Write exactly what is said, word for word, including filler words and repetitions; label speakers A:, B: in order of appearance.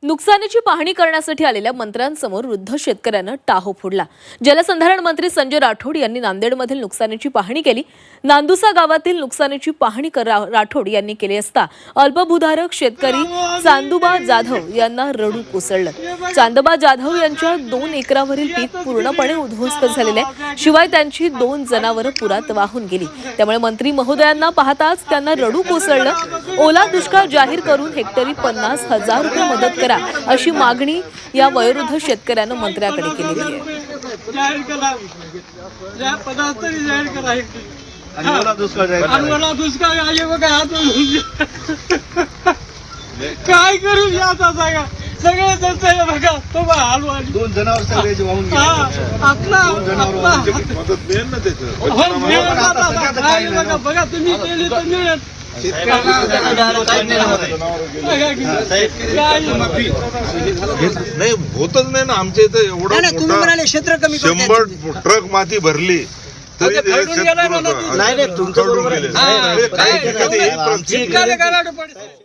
A: नुकसानीची पाहणी करण्यासाठी आलेल्या मंत्र्यांसमोर वृद्ध शेतकऱ्यानं टाहो फोडला। जलसंधारण मंत्री संजय राठोड यांनी नांदेडमधील नुकसानीची पाहणी केली। नांदुसा गावातील नुकसानीची पाहणी राठोड यांनी केली असता अल्पभूधारक शेतकरी चांदोबा जाधव यांना रडू कोसळलं। चांदोबा जाधव यांच्या दोन एकरावरील पीक पूर्णपणे उद्ध्वस्त झालेले आहे, शिवाय त्यांची दोन जनावरं पुरात वाहून गेली। त्यामुळे मंत्री महोदयांना पाहताच त्यांना रडू कोसळलं। ओला दुष्काळ जाहीर करून हेक्टरी पन्नास हजार रुपये मदत करा अशी मागणी या वयोवृद्ध शेतकऱ्यानं मंत्र्याकडे केलेली आहे।
B: काय करू आता सांगा, सगळे जनता बघा तो हलवा दोन जनावर सगळे वाहून गेले। आपला मदत मिळेल ना त्याचं बघा तुम्ही केली तर मिळेल।
C: नाही होतच नाही ना आमच्या इथं एवढं
B: क्षेत्र कमी
C: शंभर ट्रक माती भरली तरी
B: नाही तुमचं बरोबर